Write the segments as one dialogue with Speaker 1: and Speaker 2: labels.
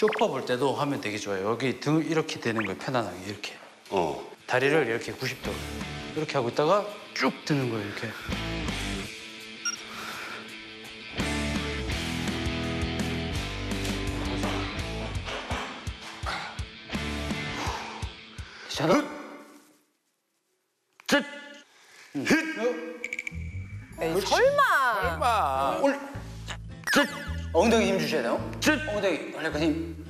Speaker 1: 쇼파 볼 때도 하면 되게 좋아요. 여기 등 이렇게 되는 거예요. 편안하게 이렇게. 다리를 이렇게 90도 이렇게 하고 있다가 쭉 드는 거예요. 이렇게. 자, 쯧.
Speaker 2: 에이, 설마.
Speaker 1: 올. 쯧. 엉덩이 힘 주셔야 돼요. 쯧. 엉덩이 약간 힘.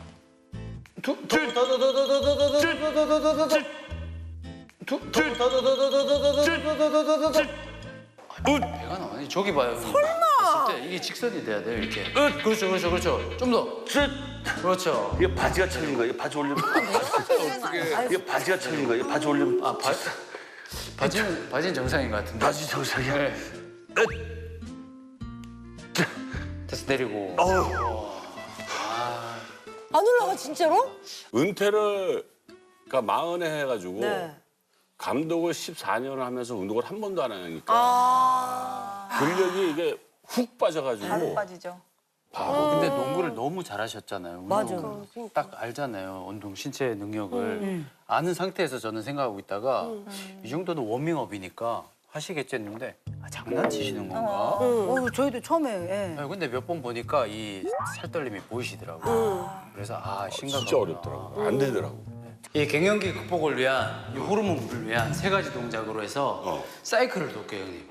Speaker 1: 배가 나와요. 저기 봐요. 설마. 진짜 이게 직선이 돼야 돼요. 이렇게. 그렇죠, 그렇죠, 그렇죠. 좀 더. 그렇죠.
Speaker 3: 이게 바지가 쳐진 거야. 이게 바지 올리면. 이게 바지가 쳐진 거야. 이게 바지 올리면.
Speaker 1: 아, 바지는 정상인 것 같은데.
Speaker 3: 바지 정상이야.
Speaker 1: 네. 다시 내리고.
Speaker 2: 안 올라가 진짜로?
Speaker 4: 은퇴를 그러니까 40에 해가지고
Speaker 2: 네.
Speaker 4: 감독을 14년을 하면서 운동을 한 번도 안 하니까 근력이 이게 훅 빠져가지고
Speaker 5: 빠지죠.
Speaker 1: 근데 농구를 너무 잘하셨잖아요.
Speaker 2: 맞아.
Speaker 1: 딱 알잖아요. 운동 신체 능력을 아는 상태에서 저는 생각하고 있다가 이 정도는 워밍업이니까 하시겠지 했는데 장난치시는 건가?
Speaker 2: 저희도 처음에. 예.
Speaker 1: 아니, 근데 몇 번 보니까 이 살떨림이 보이시더라고요. 그래서 심각하구나.
Speaker 4: 진짜 어렵더라고. 안 되더라고.
Speaker 1: 이 갱년기 극복을 위한 이 호르몬을 위한 3가지 동작으로 해서 사이클을 돕게요, 형님.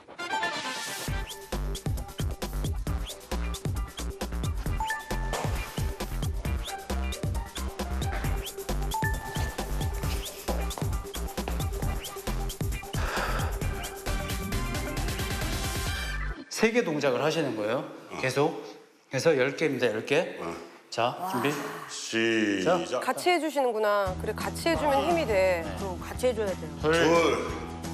Speaker 1: 세 개 동작을 하시는 거예요. 계속. 그래서 10개입니다, 10개. 자, 준비.
Speaker 4: 시작.
Speaker 6: 같이 해주시는구나. 그래, 같이 해주면 힘이 돼.
Speaker 2: 같이 해줘야 돼요.
Speaker 1: 둘,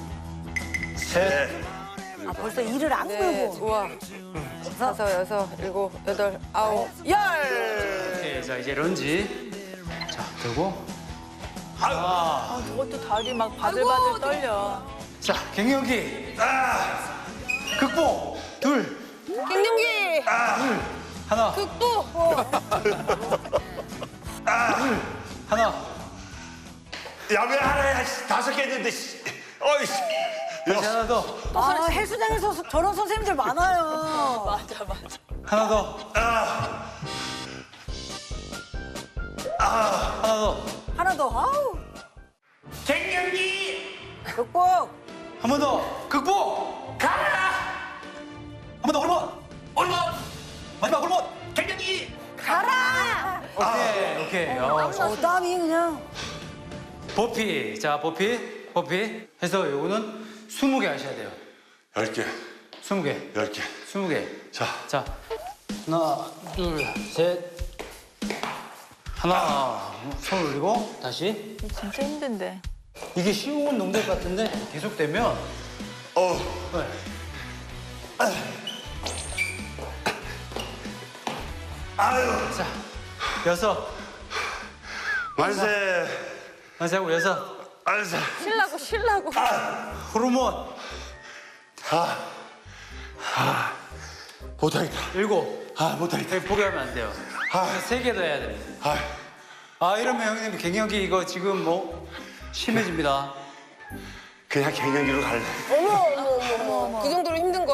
Speaker 1: 셋,
Speaker 2: 아, 벌써 일을 안
Speaker 6: 네,
Speaker 2: 끌고.
Speaker 6: 좋아. 5, 6, 7, 8, 9, 10.
Speaker 1: 오케이, 자, 이제 런지. 자, 들고.
Speaker 5: 그것도 다리 막 바들바들 떨려.
Speaker 1: 자, 갱년기. 극복. 둘,
Speaker 6: 갱년기!
Speaker 1: 하나,
Speaker 6: 극복!
Speaker 1: 하나.
Speaker 3: 야, 왜 하나야? 5개 했는데. 어이씨.
Speaker 1: 다시 하나 더.
Speaker 2: 아, 헬스장에서 저런 선생님들 많아요.
Speaker 5: 맞아.
Speaker 1: 하나 더. 하나 더.
Speaker 2: 하나 더. 아우.
Speaker 3: 갱년기.
Speaker 2: 극복.
Speaker 1: 한 번 더. 극복.
Speaker 3: 가라.
Speaker 1: 한 번 더. 호르몬.
Speaker 3: 올몬.
Speaker 1: 마지막 호르몬.
Speaker 3: 갱년기.
Speaker 2: 가라.
Speaker 1: 오케이.
Speaker 2: 땀이 그냥.
Speaker 1: 버피. 자, 버피. 해서 요거는 20개 하셔야 돼요.
Speaker 3: 10개.
Speaker 1: 20개.
Speaker 3: 10개.
Speaker 1: 20개.
Speaker 3: 자.
Speaker 1: 자, 하나, 둘, 셋. 하나. 손 올리고 다시.
Speaker 5: 진짜 힘든데.
Speaker 1: 이게 쉬운 동작 같은데 계속되면 네.
Speaker 3: 아유.
Speaker 1: 자, 6.
Speaker 3: 만세.
Speaker 1: 하고 6.
Speaker 3: 만세.
Speaker 6: 쉬려고.
Speaker 1: 호르몬.
Speaker 3: 못하겠다.
Speaker 1: 7.
Speaker 3: 못하겠다.
Speaker 1: 포기하면 안 돼요. 3개 더 해야 됩니다. 이러면 형님 갱년기 이거 지금 뭐 심해집니다.
Speaker 3: 그냥 갱년기로 갈래.
Speaker 6: 어머. 그 정도로 힘든